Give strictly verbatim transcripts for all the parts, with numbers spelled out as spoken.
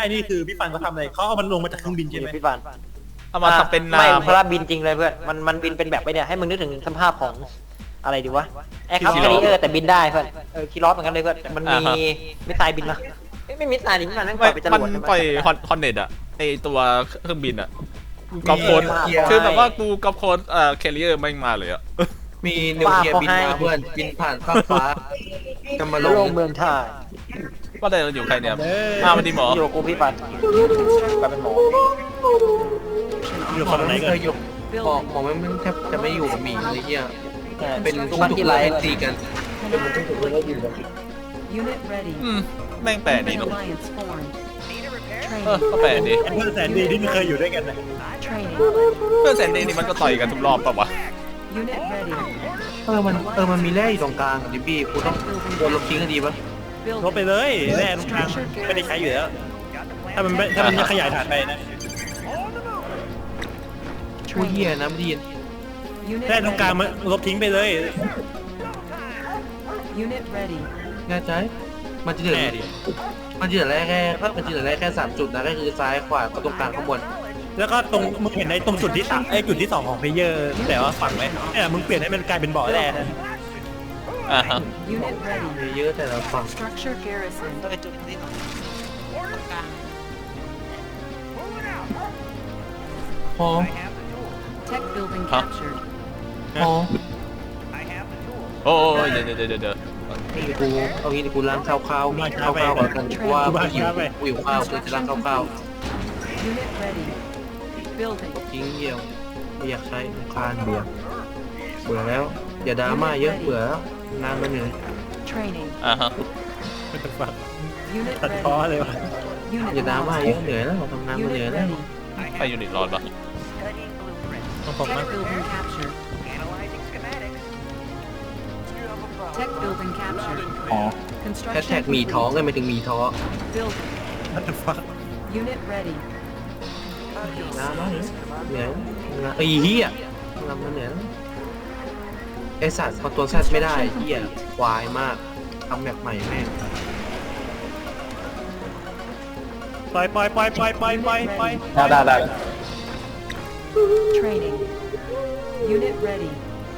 นี่คือพี่ฟันเขาทำอะไรเขาเอามันลงมาจากเครื่องบินใช่ไหมพี่ฟันเอามาทำเป็นไม่น้ำเพราะว่าบินจริงเลยเพื่อนมันมันบินเป็นแบบไปเนี่ยให้มึงนึกถึงสภาพของอะไรดีวะแอร์คราฟต์แคริเออร์แต่บินได้เพื่อนเออคีรอสเหมือนกันเลยเพื่อนมันมีมิสไซล์บินมาไม่มิสไซล์ดิพี่ฟันนั่งปล่อยไปจรวดมันปล่อยฮอนฮอนเน็ตอะไอตัวเครื่องบินอะกอบโคนคือแบบว่ากูกอบโคนเอ่อแคริเออร์ไม่มาเลยอะมีนิวเคลียร์บินมาเพื่อนบินผ่านฟ้าฟ้าจะมาลโลงกเมืองไทยว่าแต่เราอยู่ใครเนี่ยมาวันดีหมออยู่กูพี่ฟันกลายเป็นหมออยู่หมคอนไหนไม่กัเคน ยอยู่หมอหมอไม่แทบจะไม่อยู่กับหมีเลยเฮียเป็นทุกวันทุกที่ไลไรฟ์ตีกัน Unit ready. อืมแม่งแปลกดี An เนาะ alliance formed. เออ Training. ก็แปลกดีเพื่อนแสนดีที่ไม่เคยอยู่ด้วยกันนะ Training. เพื่อนแซนดี้นี่มันก็ต่อยกันทุกรอบป่ะวะ Unit ready. เออมันเออมันมีแร่อยู่ตรงกลางดิบี้กูต้องโดนลบทิ้งกันดีปะลบไปเลยแร่ตรงกลางไม่ได้ใช้อยู่แล้วถ้ามันถ้ามันจะขยายฐานไปนะช่วยเฮียนะไม่ได้ยิน Unit แร่ตรงกลางมันลบทิ้งไปเลย Unit ready. แน่ใจมันจะเหลือแน่ดิมันจะเหลือแร่แค่มันจะเหลือแร่แค่สามจุดนะก็คือซ้ายขวากับตรงกลางข้างบนแล้วก็ตรงมึงเห็นในตรงจุดที่สามไอ้จุดที่สองของเพลเยอร์แต่ว่าฝั่งไหมเนี่ยมึงเปลี่ยนให้มันกลายเป็นบ่อแร่นะอ่าฮะ Unit ready. มีเยอะแต่ละฝั่ง Structure garrison. พอ Tech building Huh? captured. พอโอ้ยเดี๋ยวเดี๋ยวเดี๋ยวเดี๋ยวนี่กูเอางี้ดิกูล้างข้าวข้าวข้าวข้าวก่อนกันเพราะว่ากูหิวกูหิวข้าวกูจะล้างข้าวข้าว Unit ready. Building. ทิ้งเยี่ยวไม่อยากใช้รำคานเบื่อเบื่อแล้วอย่าดราม่าเยอะเบื่อแล้วงานมันเหนื่อย Training. อ่าฮะมันจะฟัง Unit ตัดพ้อ ready. เลยวะอย่า Unit ดราม่า lost. เยอะเหนื่อยแล้วทำงานมันเหนื่อย Unit แล้ว ready. ใครยูนิตรอดปะต้องผมมั้ Tech ง building captured. Tech building captured. อ๋อแฮช Construction แท็กหมีท้องเลยไม่ถึงหมีท้อ building. มันจะฟัง Unit ready. ดราม่าเหนื่อยงานไอ้เหี้ยทำมันเหนื่อยแล้วไอสัตว์พอตัวแซดไม่ได้เหี้ยควายมากทำแบบใหม่แม่งปล่อยปล่อยปล่อยปล่อยปล่อยปล่อยปล่อยได้ได้ได้ Training. Unit ready.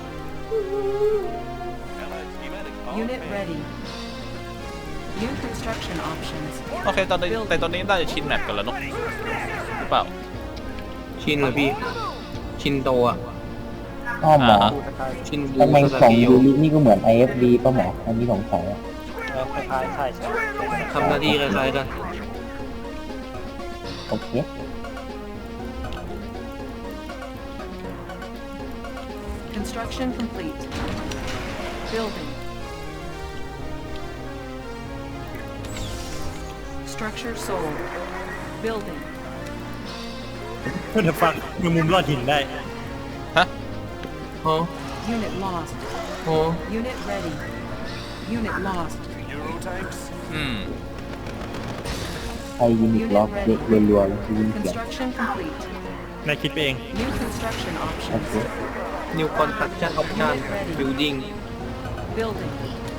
Unit ready. New construction options. โอเคตอนนี้แต่ตอนนี้น่าจะชินแมปกันแล้วเนาะหรือเปล่าชินเหรอพี่ ชินโตอ่ะอ้อหมอชินบูทำไมสของกิโยยูรินี่ก็เหมือน ไอ เอฟ ดี ป่ะหมอ อันนี้สงสัยอะเออคล้ายๆใช่ใช่ทำหน้าที่คล้ายๆกันโอเค Construction complete. Building. Structure sold. Building. มันจะฟังมีมุมรอดหินได้ฮะฮะ Unit lost. ฮะ Unit ready. Unit lost. อืมไทยยูนิตล็อกเด็กรัวๆเลยยิงเสียง Construction complete. นายคิดไปเอง New construction โอ options. เคนิวคอนสตรักชั่นออปชั่นบิลดิ้ง Building.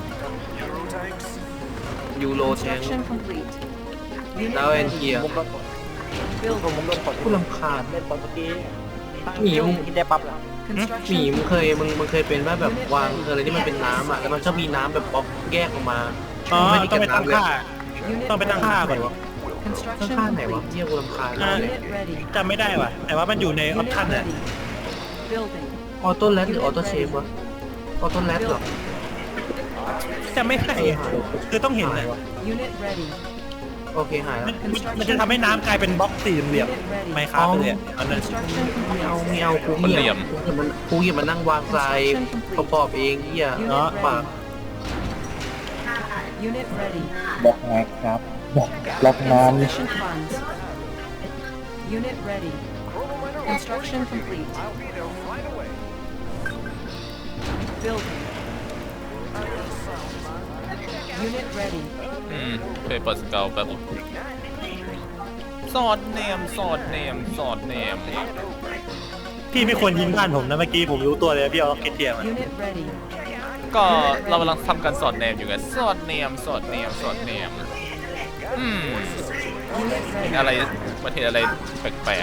ยูโรแทง Construction complete. Unit แล้วแอน ready. เกียร์ผมก็ Building. ผมโดนกดผู้ลำคาญเล่นตอนเมื่อกี้หมีมึงกินได้ปั๊บแล้วหมี Construction มึงเคยมึงมึงเคยเป็นว่าแบบวางอะไรที่มันเป็นน้ำอ่ะแล้วมันชอบมีน้ำแบบป๊อกแยกออกมาอ๋อไม่ได้ต้อเก็งบไปตั้งน้ำเลยค่า Unit ต้องไปตั้งค่าก่อนข้าง Construction ข้างไหนวะ complete. เยี่ยกูลำคาญอ่าเลย Unit ready. จำไม่ได้ว่ะ แต่ว่ามันอยู่ในออป Unit ชั่นน่ะ ready. Building. ออโต้แลดหรือออโต้เชฟวะออโต้แลดเหรอจำไม่ได้คือต้องเห็นนะ Unit ready. โอเคหายแล้วมันจะทำให้น้ำกลายเป็นบล็อกสี่เหลี่ยมไมค์ครับไปเลยอันนั้น Construction ไม่ complete. เอาไม่เอากูมันเหลี่ยมกูอย่ามันกูอย่ามานั่งวางทรายประกอบเองเหี้ยเนาะปาก Unit ready. บล็อกแม็กครับบล็อกบล็อกน้ำ Insufficient funds. Unit ready. Construction complete. Building. Unit ready. อืมเคยเปิดสเกลแป๊บสอดเนมสอดเนมสอดเนมพี่ไม่ควรยิงบ้านผมนะเมื่อกี้ผมรู้ตัวเลยพี่เอาล็อกเก็ตเทียม Unit ready. ก็เรากำลังทำการสอดเนมอยู่ไงสอดเนมสอดเนมสอดเนมอืม Unit เห็น ready. อะไรมันเห็นอะไรแปลก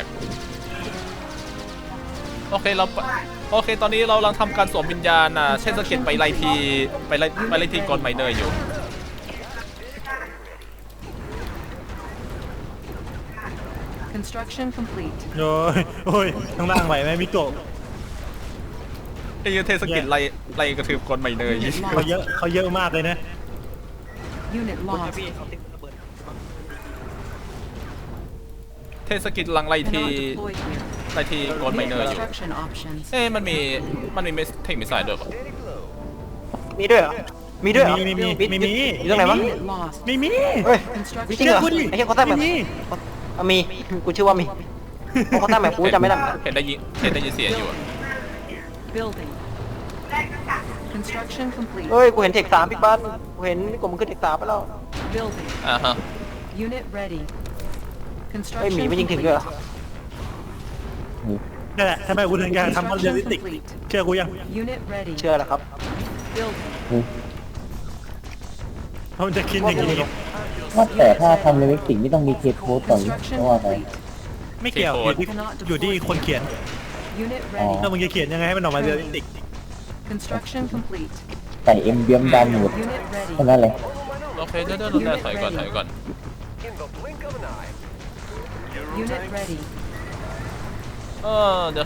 ๆโอเคเราโอเคตอนนี้เรากำลังทำการสวมวิญญาณอ่ะเช่นสเก็ตไปไล่ทีไปไล่ไปไล่ทีกอนไมเนอร์อยู่ Construction complete. โอ้ยโอ้ยข้างล่างไหวไหมมิโกะไอ้เทสกิลไล่ไล่กระทืบกอนไมเนอร์อยู่เขาเยอะเขาเยอะมากเลยนะ Unit lost. เทสกิลลังไล่ที Cannot deploy here. ไล่ทีกอนไม Unit เนอร์อยู่ construction options. เอ้มันมีมันมีเมสเทคมิสไซล์ด้วยปะมีด้วยเหรอมีด้วยเหรอมีมีมีบิ๊กมีมีอยู่ตรงไหนวะ Unit lost. ไม่มีเฮ้ย Construction จริงเหรอเชื่อกูดิไอ้เหี้ยเขาตั้งแบบไม่มีอ่ะมีกูเชื่อว่ามีเพราะเขาตั้งแบบกูจำไม่ได้เหมือนกันเห็นได้ยินเห็นได้ยินเสียงอยู่อะ building. Construction complete. เฮ้ยกูเห็นเทคสามพี่บ้านกูเห็นกลุ่มมันขึ้นเทคสามไปแล้ว Building. อ่าฮะ Unit ready. เฮ้ยหมี Construction ไม่ยิงถึง complete. ด้วยเหรอนั่นแหละทำไมกูถึงอยากทำมันเรียลลิสติก เชื่อกูยัง Unit ready. เชื่อแล้วครับ Building. เพราะมันจะคิดอย่างนี้ว่าแต่ถ้าทำเลเวลสิงไม่ต้องมีเคสโค้ดก่อนหรือ Construction เพราะว่าไง complete. ไม่เกี่ยวอยู่ที่อยู่ที่คนเขียน Unit อ๋อ ready. ถ้ามึงจะเขียนยังไงให้มันออกมาเรียลลิสติก Construction complete. ใส่เอ็มเบียมดำหมด Unit แค่ ready. นั้นเลยโอเคเดี๋ยวเดี๋ยวเดี๋ยวถอยก่อนถอยก่อน Unit ready. เออเดี๋ยว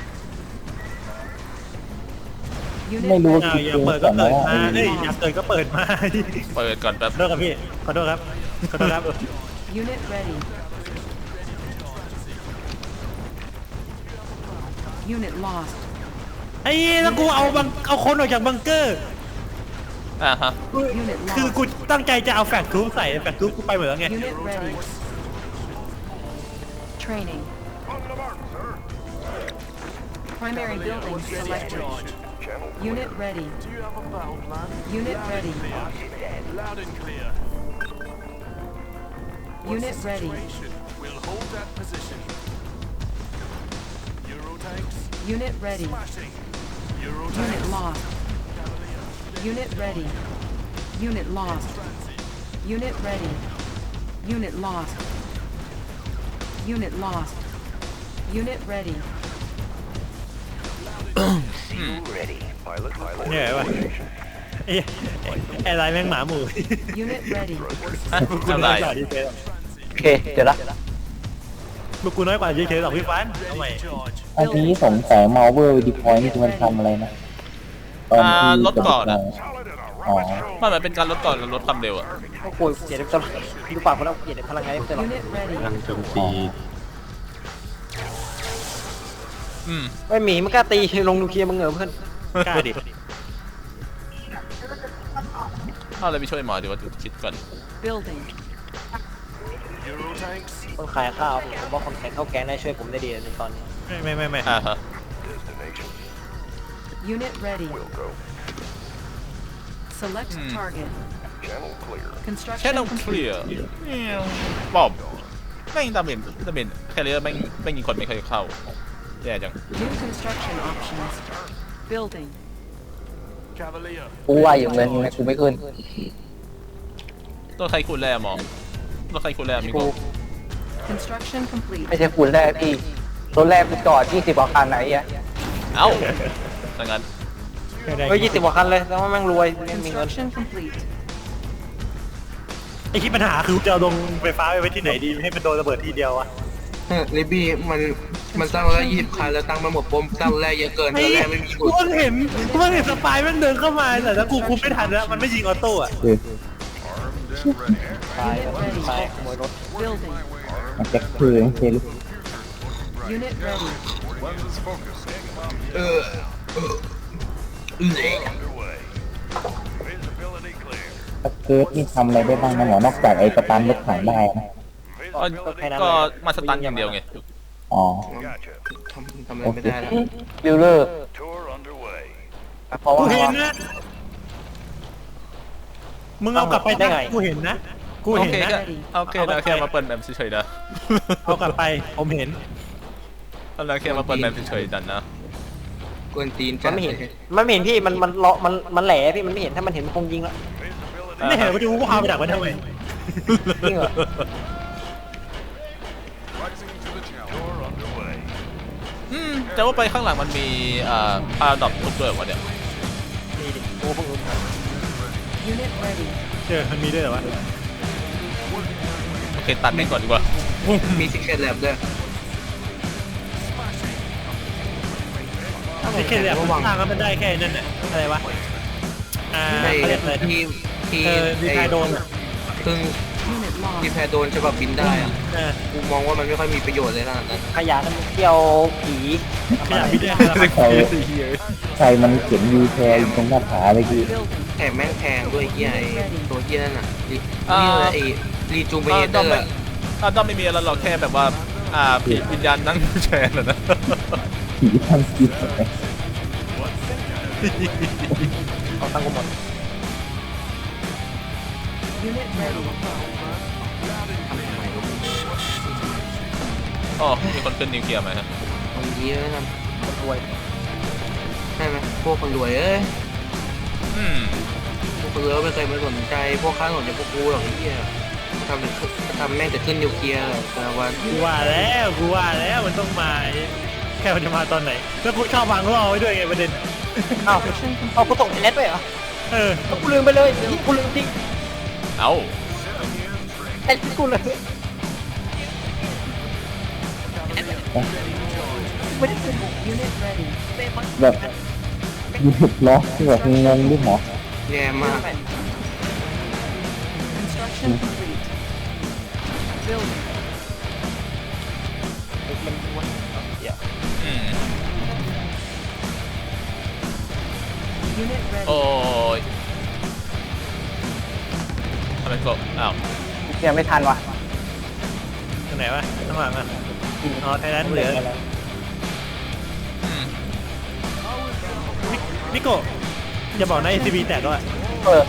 Unit ไม่รู้ ready. อ้าวอย่าเปิดก็เปิดมาเอ้ยอยากเปิดก็เปิดมาเปิดก่อนแป๊บขอโทษครับพี่ขอโทษครับขอโทษครับ Unit ready. Unit lost. ไอ้แล้วกูเอาบังเอาคนออกจากบังเกอร์อ่าฮะ Unit คือ lost. กูตั้งใจจะเอาแฟกทูบใส่แฟกทูบกูไปหมดแล้วไง Unit ready. Training. Primary building selected. Unit ready. Unit ready. Unit ready. We'll hold that position. Eurotanks Unit ready. smashing. Unit Eurotanks lost. Unit ready. Unit lost. Unit ready. Unit lost. Unit lost. Unit ready. เหนื่อยวะไอ้ไอ้ไรแม่งหมาหมู Unit ready. ฮะพวกกูอะไรน้อยกว่าดีเจหรอกโอเคเดี๋ยวละพวกกูน้อยกว่าดีเจหรอกพี่ฟันเอาใหม่ charge. อันนี้สงสัยมาเวอร์ดีพอยนี่คือมันทำอะไรนะตอนอ่าที่ลดก่อนอะอ๋อมันเหมือนเป็นการลดก่อนลดความเร็วอะโอ้โหเกลียดตลอดดูปากคนเราเกลียดพลังงานตลอด Unit ready. กำลังโจมตีอืมไม่หมีมันกล้าตีลงนิวเคลียร์มึงเหรอเพื่อนกล้าดิเอาอะไรไปช่วยหมอดีวะคิดก่อน Building. Eurotanks คนขายข้าวผมว่าคนขายข้าวแกงได้ช่วยผมได้ดีในตอนนี้ไม่ไม่ไม่ไม่อ่าฮะ Unit ready. Select Hmm. target. แค่ต้อ Construction งเคลีย complete. ร์บอบแม่งดาเมจดาเมจแคเรียร์แม่งแม่งยิงคนไม่เคยเข้าแย่จัง New construction options. Building. Cavalier. กูว่าอยู่เลยนะกูไม่ขึ้นตัวใครคูณแร่หมอตัวใครคูณแร่มีกูกู Construction complete. ไม่ใช่คุณแรกพี่รถแรกกูจอดยี่สิบกว่าคันไหนอ่ะเอ้าดังนั้นเฮ้ยยี่สิบกว่าคันเลยแต่ว่าแม่งรวยแม่งมีเงิน Construction complete. ไอ้ที่ปัญหาคือจะเอาลงไฟฟ้าไปไว้ที่ไหนดีให้มันโดนระเบิดทีเดียวอะลิบี้มันมันสร้างรถแรกยี่สิบคันแล้วตั้งมาหมดปมสร้างรถแรกเยอะเกินรถแรกไม่มีกูเพิ่งเห็นกูเพิ่งเห็นสปายแม่งเดินเข้ามาแต่ถ้ากูคุมไม่ทันแล้วมันไม่ยิงออโต้อะคือตายแบบตายขโมยรถ Building. มันจะคือเซลุ Unit ready. เออเออเละสเกิร์ตนี่ทำอะไรได้บ้างนะหมอนอกจากไอ้สตันรถถังได้นะก็ก็มาสตันอย่างเดียวไงอ๋อทำทำอะไรไม่ได้แล้วบิลเลอร์เพราะกูว่าเห็นนะ มึงเอากลับไปได้ไงกูเห็นนะ กูโอเห็นเคนะแค่โอเคนะแค่มาเปิดแมปเฉยๆนะเอากลับไปผมเห็นตอนแรกแค่มาเปิดแมปเฉยๆดันนะกวนตีนมันไม่เห็นมันไม่เห็นพี่มันมันเลาะมันมันแหล่พี่มันไม่เห็นถ้ามันเห็นมันคงยิงแล้วไม่เห็นว่าจะกูพาไปดักไว้ทำไมจริงเหรออืมแต่ว่าไปข้างหลังมันมีอ่าพาราดอกทุกด้วยวะเนี่ยนี่ดิโอ้พวกมึง Unit ready. เจอมันมีด้วยเหรอวะโอเคตัดไปก่อนดีกว่ามีซิกเก็ตแลบด้วยไอ้แค่แบบมันสร้างแล้วมันได้แค่นั่นน่ะอะไรวะอ่าในเขาเรียกอะไรที่ที่เออดีไซน์โดนอ่ะเพิ่ง Unit ที่ lost. แพรโดนฉบับบินได้อะเออกูมองว่ามันไม่ค่อยมีประโยชน์เลยขนาดนั้นขยะน้ำเที่ยวผีขยะพิษด้วยครับใครใครมันเขียนยูแชร์อยู่ตรงหน้าผาเลยกี้ Building. แถมแม่งแพงด้วยเฮียไอ้ตัวเฮียนั่นน่ะรีอ่านี่เลยไอ้รีจูเมอ่าเตด้ออมร์ไม่อ่าด้อมไม่มีอะไรหรอกแค่แบบว่าอ่าผีวิญญาณนั่งแชร์น่ะนะผีทำกินเอาตังค์กูหมด Unit ready. อ๋อมีคนขึ้นนิวเคลียร์ไหมฮะบางทีแล้วนะคนรวยใช่ไหมพวกคนรวยเอ้ยอืมพวกคนรวยไม่เคยมาสนใจพวกข้างหลังจะพวกกูหรอกไอ้เหี้ยทำแต่ทำแม่งแต่ขึ้นนิวเคลียร์แต่ละวันกูว่าแล้วกูว่าแล้วมันต้องมาแค่มันจะมาตอนไหนแล้วกูชอบวางล่อไว้ด้วยไงประเด็นอ้าวเอากูส่งไอ้เน็ตไปเหรอเออเอากูลืมไปเลยนี่กูลืมจริงเอ้าไอ้กูเลยไม่ได้ซื้อ Unit ready. แบบยูนิตล็อกที่แบบงงด้วยหมอแย่มาก Construction complete. Building. มันวนเดี๋ยวอืม Unit โอ้ ready. ยทำไมก็อ้าวเดี๋ยวไม่ทันว่ะตรงไหนวะข้างหลังอ่ะอ๋อไทยแลนด์เหลืออืมนิโก้อย่าบอกนะเอซีบีแตกก็อ่ะเออ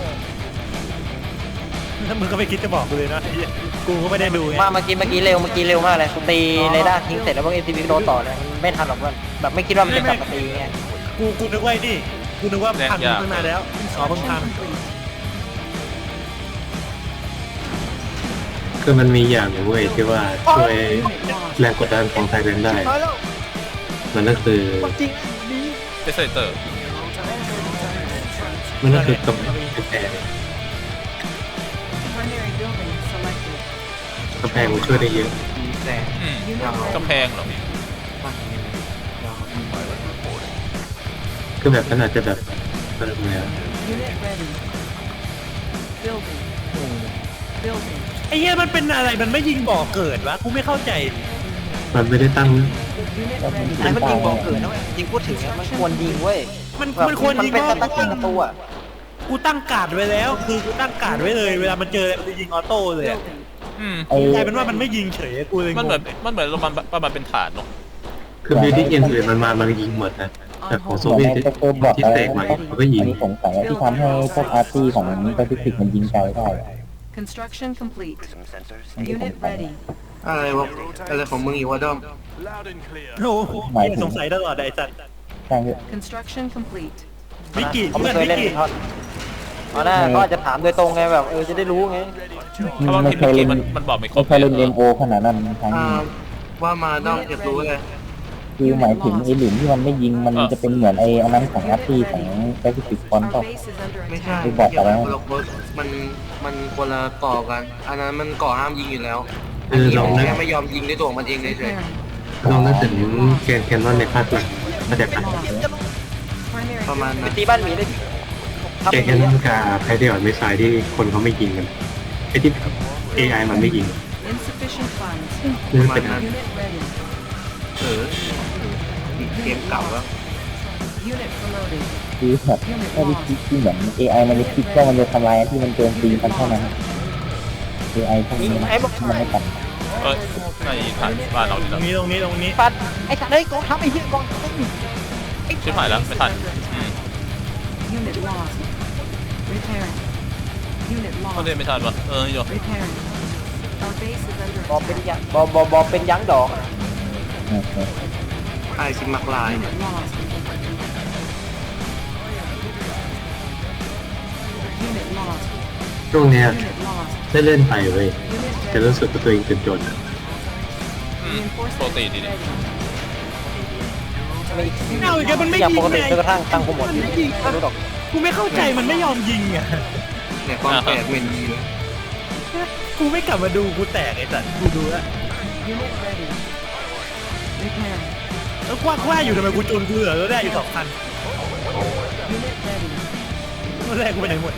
ถ้ามึงก็ไม่คิดจะบอกกูเลยนะไอ้เหี้ยกูก็ไม่ได้ดูไงมาเมื่อกี้เมื่อกี้เร็วเมื่อกี้เร็วมากเลยกูตีเรดาร์ทิ้งเสร็จแล้วพวกเอ็นทีวีโดนต่อเลยมันไม่ทันหรอกเพื่อนแบบไม่คิดว่ามันจะกลับมาตีไงกูกูนึกว่าไอ้นี่กูนึกว่าพันตั้งนานแล้วอ๋อเพิ่ง Construction ทำ complete. คือมันมีอย่างหนึ่งเว้ยที่ว่าช่วย Unit lost. แรงกดดันของไทยเลนได้น้อยแล้วมันก็คือจริงนี่เดสเตอร์มันก็คือกำแพง Primary building selected. กำแพงมันช่วยได้เยอะแต่อืม Unit ready. กำแพงเหรอคือแบบมันอาจจะแบบเออเนี่ย Unit ready. Building. Building. ไอ้เหี้ยมันเป็นอะไรมันไม่ยิงบ่อเกิดวะกูไม่เข้าใจมันไม่ได้ตั้ง Unit ready. ไอ้มันยิงบอกเกิดนะเว้ยจริงพูดถึงอะมันควรยิงเว้ยมันแบบมันควรมันยิงเป็นว่าสตั๊กยิงประตูอะกูตั้งการ์ดไว้แล้ว คือกูตั้งการ์ดไว้เลย เวลามันเจอมันจะยิงออโต้เลยอะ Building. อืมไอ้กลายเป็นว่ามันไม่ยิงเฉยกูเลยงมันงเหมือนมันเหมือนมันประมาณเป็นฐานเนาะคือบิวตี้เอ็นอื่นมันมามันยิงหมดนะแต่ของโซเหมือนเวียตไอ้ที่ตะโกนบอกที่อะไรแตกใหม่นะเขาก็ยิอังนนี้สงสัยที่ทำให้พวกอาร์ตี้ของแปซิฟิกมันยิงไกลได้ Construction complete. Unit ready. อะไรวะอะไรของมึงอีกวะด้อม Loud and clear. โอ้โหสงสัยตลอดไอ้สัตว์ใช่เถอะ Construction complete. วิกิเขาเพื่ไม่อนเคยวิเล่นกิทอดเอาหน้าเขาอาจจะถามโดยตรงไงแบบเออจะได้รู้ไงเพราะว่าไม่ทีมเคยเมื่อเล่กี้นมันมันบอกไม่ครไม่บเคยเล่นเอ็มโอขนาดนั้นครั้งอ่านี้ว่ามาด้อมอยากรู้เลยคือหมายถึงไอ้หลุมที่มันไม่ยิงมันจะเป็นเหมือนไอ้อันนั้นของอาร์ตี้ของแปซิฟิกฟอน Our ก็ base is under ไม่ใช่ attack. ไม่บอกอะไรคนละคนมันมันคนละก่อกัน อันนั้นมันก่อห้ามยิงอยู่แล้วเออันอนี้ลองมันนึกแค่ไม่ยอมยิงด้วยตัวของมันเองเฉย Preparing. ลองนึกถึงแกนแคนนอนในภาคหลังมาจากกัน Lost. Primary ๆประมาณ building. ไปตีบ้านหมีได้ทำแกนอย่างแคนนนี้อนกับไพเดียร์มิสไซล์ที่คนเขาไม่ยิงกันไอ้ที่ เอ ไอ มันไม่ยิง Insufficient funds. นี่เป็นอัน Unit ready. เออเกมเก่าแล้ว Unit promoted. คือแบบถ้าวิธีที่เหมือน เอ ไอ มันจะคิดว่ามันจะทำลายที่มันโจมตีมันเท่านั้น เอ ไอ พวกนี้มันไม่ตัดเอ้ยในฐานบ้านเราตนี่รงนะนี้ตรงนี้ตรงนี้ปัดไอ้สัตว์เฮ้ยกองทัพไอ้เหี้ยกองทัพชิบหายแล้วไม่ทันอืม Unit lost. Repairing. Unit เขา lost. เล่นไม่ทันวะเออโย Repairing. Our base is under บอเป็น attack. ยังบอบอบอเป็นยังดอกไอซิมักลาย Unit lost. Unit lost. ช่วงเนี้ย Unit lost. ได้เล่นไปเว้ย Unit จะ ready. รู้สึกว่าตัวเองจนจนอืมปกติดี Reinforcements ดี ready. ไม่เอาอีกแล้วมันไม่อย่างยิงปกติไงจนกระทั่งตังค์กูหมดมันไม่ยิงไม่รู้หรอกกูไม่เข้าใจมันไม่ยอมยิงอ่ะเนี่ยความแปลกเป็นดีเลยกูไม่กลับมาดูกูแตกไอ้สัตว์กูดูแล้ว Unit ready. Repairing. แล้วกว้างกว้าอยู่ทำไมกูจูนกูเหลือแล้วได้อยู่สองคัน Unit ready. แล้วแรกกูไปไหนหมด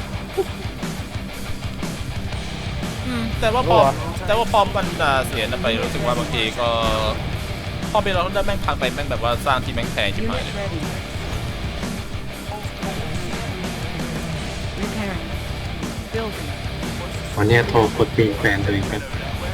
อืมแต่ว่าพอแต่ว่าพอมันอ่าเสียนะไปรู้สึกว่าบางทีก็พอเป็นเราได้แม่งพังไปแม่งแบบว่าสร้างที่แม่งแพงชิบหาย Unit เลย ready. Repairing. Building. วันเนี้ยโทรกดปิงแฟนตัวเองครับ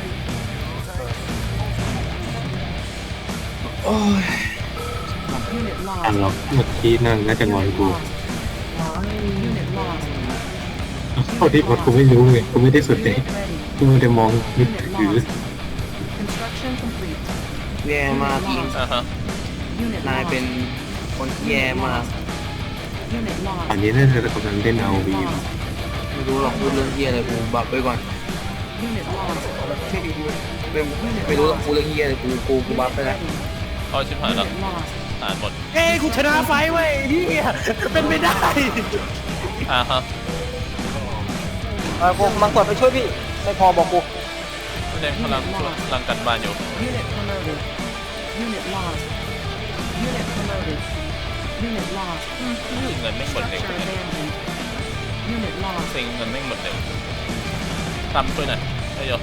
Unit อัน lost. ล็อกเมื่อกี้นั่งน่าจะงอนกู Unit lost. เท่าที่พอกูไม่รู้ไงกูไม่ได้สนใจ Unit ready. กูไม่ได้มองนึก Unit ถือ lost. Construction complete. แย่มากอิงอ่าฮะ Unit นายเป็น lost. คนที่แย่มาก Unit อัน lost. นี้น่าจะกำลังเล่นเอาวี Unit lost. ไม่รู้หรอกพูดเรื่องเฮียอะไรกูบับไว้ก่อน Unit lost. ไม่ไม่รู้หรอกพูดเรื่องเฮียอะไรกูกูกูบับไปแล้วเอาชิบหายแล้ว Unit lost. อ่านหมดเอ้ยกูชนะไฟเว้ยพี่เป็นไม่ได้อ่าฮะเออกูมังกรไปช่วยพี่ไม่พอบอกกูแสดงพลังช่วยพลังกันบ้านอยู่ Unit promoted. Unit lost. Unit promoted. Unit lost. เงินไม่หมดเร็ว Structure abandoned. Unit lost. เซ็งเงินไม่หมดเร็วทำช่วยหน่อยได้ย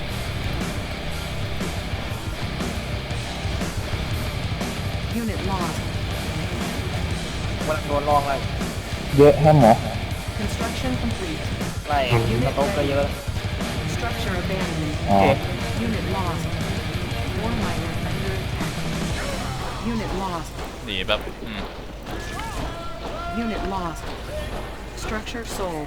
Unit lost. วันโดนลองอะไรเยอะแค่หมอ Construction complete. ไล่สต๊อกก็เยอะ Structure abandoned. อ๋อ Unit lost. War miner under attack. Unit lost. หนีแบบอืม Unit lost. Structure sold.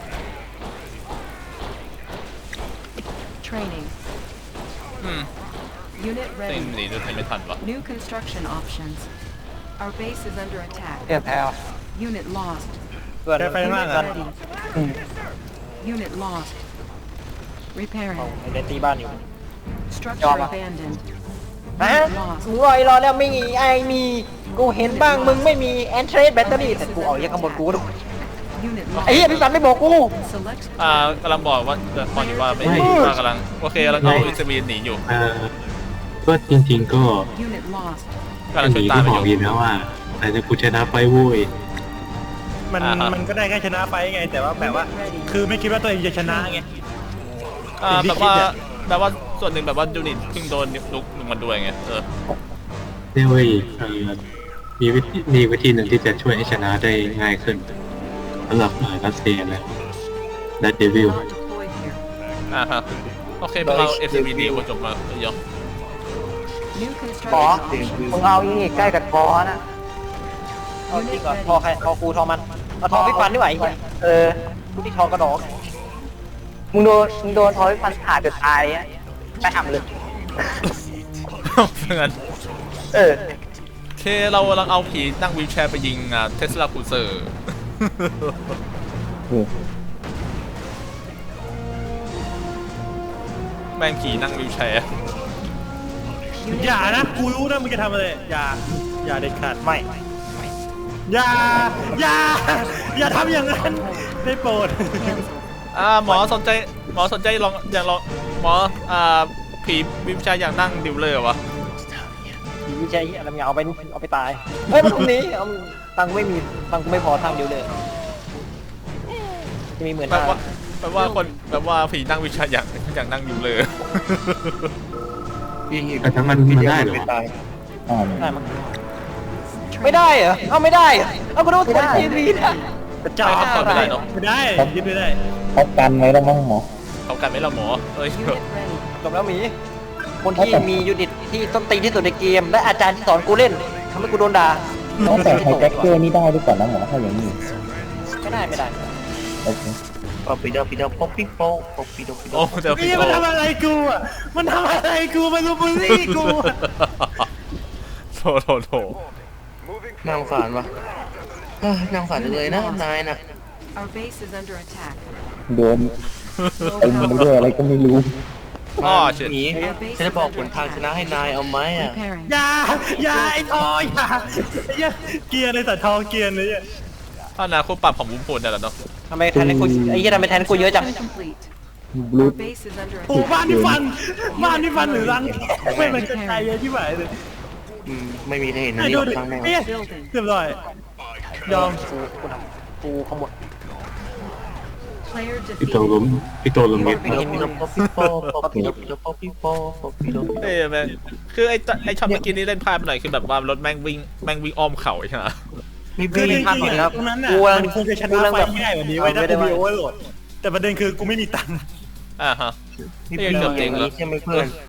Training. อืม Unit เซ็ง ready. หนีด้วยไม่ทันวะ New construction options. Our base is under attack. เทียบแถว Unit lost. เพื่อนได้ไฟมาก Unit อ่ะ ready. Unit lost. Repairing. เอาเล่นตีบ้านอยู่ Structure Yama. abandoned. ฮะ Unit lost. กูรอรอแล้วไม่มีไอมีกูเห็นบ้างมึงไม่มีแอนเทรสแบตเตอรี่แต่กูเอาเยอะข้างบนกูดู Unit ไอ้เหี้ย lost. พี่ปันไม่บอกกู Select อ่ากำลังบอกว่าเดินตอนนี้ว่าไม่ดีว่ากำลังโอเคกำลังเอาอิสวีนหนีอยู่เอ่อก็จริงๆก็ unit lost. กำลังหช่วยนีตามที่ไปบออกยู่ยินนะว่า แต่จะกูชนะไฟโว้ยมันอ่าฮะมันก็ได้แค่ชนะไฟไง แต่ว่าแบบว่า คือไม่คิดว่าตัวเองจะชนะไงอ่าสิ่งที่แบบว่าคิดอะแบบว่าส่วนหนึ่งแบบว่ายูนิตเพิ่งโดนลุกลุกมันด้วยไงเออเนี่ยเว้ยเอ่อมีวิธีมีวิธีหนึ่งที่จะช่วยให้ชนะได้ง่ายขึ้นสำหรับเอ่อรัสเซียและและเดวิล Not deployed here. อ่าฮะโอเคพวกเราเอสวีดีโอจบมาเยอะ New บอ construction ส options. มึงเอาอีกใกล้กับคอนะเอาจริงก่อนทอใครทอกูทอมันเอาทอพี่ปันดีกว่าไอ้เหี้ยเออกูที่ทอกระดอกมึงโดนมึงโดนทอยฟันขาดจนตายอ่ะไปทำเลยเพื่อนเออโอเคเรากำลังเอาผีนั่งวีลแชร์ไปยิงอ่าเทสลาคูเซอร์ แม่งผีนั่งวีลแชร์ Unit อย่า ready. นะ กูรู้นะมึงจะทำอะไร อย่า อย่าเด็ดขาดไม่ อย่า อย่า อย่าทำอย่างนั้น ได้โปรด Cancel. อ่าหมอสนใจหมอสนใจลองอยากลองหมออ่าผีวีลแชร์อยากนั่งดิวเลอร์วะผีใช่อะไรมึงเอาไปเอาไปตายเฮ้ยมันตรงนี้เอาตังค์กูไม่มีตังค์กูไม่พอทางเดียวเลยจะมีหมื่นแปลห้าว่าแปลว่าคนแปลว่าผีนั่งวีลแชร์อยากอยากนั่งดิวเลอร์ยิงอีกแต่ถ้ามันมันได้เหรอม่ตายอ่าได้มั้งไม่ได้เหรอเอาไม่ได้เหรอเอากูดูคนทีวีนะจ่ายไม่ได้ไม่ได้เนอะไม่ได้ยึดไม่ได้เขากันไว้แล้วมั้งหมอเขากันไหมล่ะหมอเอ้ย Unit ready. จบแล้วหมีคนที่มียูนิตที่ต้นตีนที่สุดในเกมและอาจารย์ที่สอนกูเล่นทำให้กูโดนด่าต้องแต่ไฮแจ็คเกอร์นี่ได้ด้วยก่อนนะหมอถ้าอย่างนี้ไม่ได้ไม่ได้โอเคปอปิดอปิดอป๊อปปี้โป๊ะป๊อปปี้ดอปิดอโอ้เดี๋ยวไอ้พี่เหี้ยโตมันทำอะไรกูอ่ะ มันทำอะไรกู มันรูบูลลี่กูอะโถโถโถน่าสงสารวะเอ้ยน่าสงสารจังเลยนะนายน่ะ Our base is under attack. โดนเต็มไปด้วยอะไรก็ไม่รู้อ๋อเชิญหนีฉันจะบอกผลทางชนะให้นายเอาไหมอ่ะ Repairing. อย่าอย่าไอ้ทออย่าไอ้เหี้ยเกียร์ในสัตว์ทอเกียร์เลยเนี่ยถ้านาคู่ปรับของวุ้มพูนเนี่ยแหละเนาะทำไมแทนกูไอ้เหี้ยทำไมแทนกูเยอะจัง Complete. บลู Our base is under โอ้ attack. บ้านที่ฟันบ้านที่ฟันหรือรังไม่มันกระจายเยอะที่ไหนเลยอืมไม่มีใครเห็นนะไอ้นี่ดูออกดิข้างแม่เอ๊ะเรียบร้อยยอมกูกูทำกูขโมย Player พี่โต defeated. ลุมพี่โตลุมมิดพี่โดพี่โดพี่โปพี่โดพี่โดพี่โปพี่โดเอ้ยแม่งคือไอ้ตไอ้ช็อตเมื่อกี้นี่เล่นพลาดไปหน่อยคือแบบว่ารถแม่งวิ่งแม่งวิ่งอ้อมเขาใช่ไหมมีคือบีจริงๆอะตรงนั้นน่ะมันคงจะชนะไฟง่ายกว่านี้ไว้ถ้ากูมีโอเวอร์โหลดแต่ประเด็นคือกูไม่มีตังค์อ่าฮะมีบีอย่างนี้ใช่ไหมเพื่อน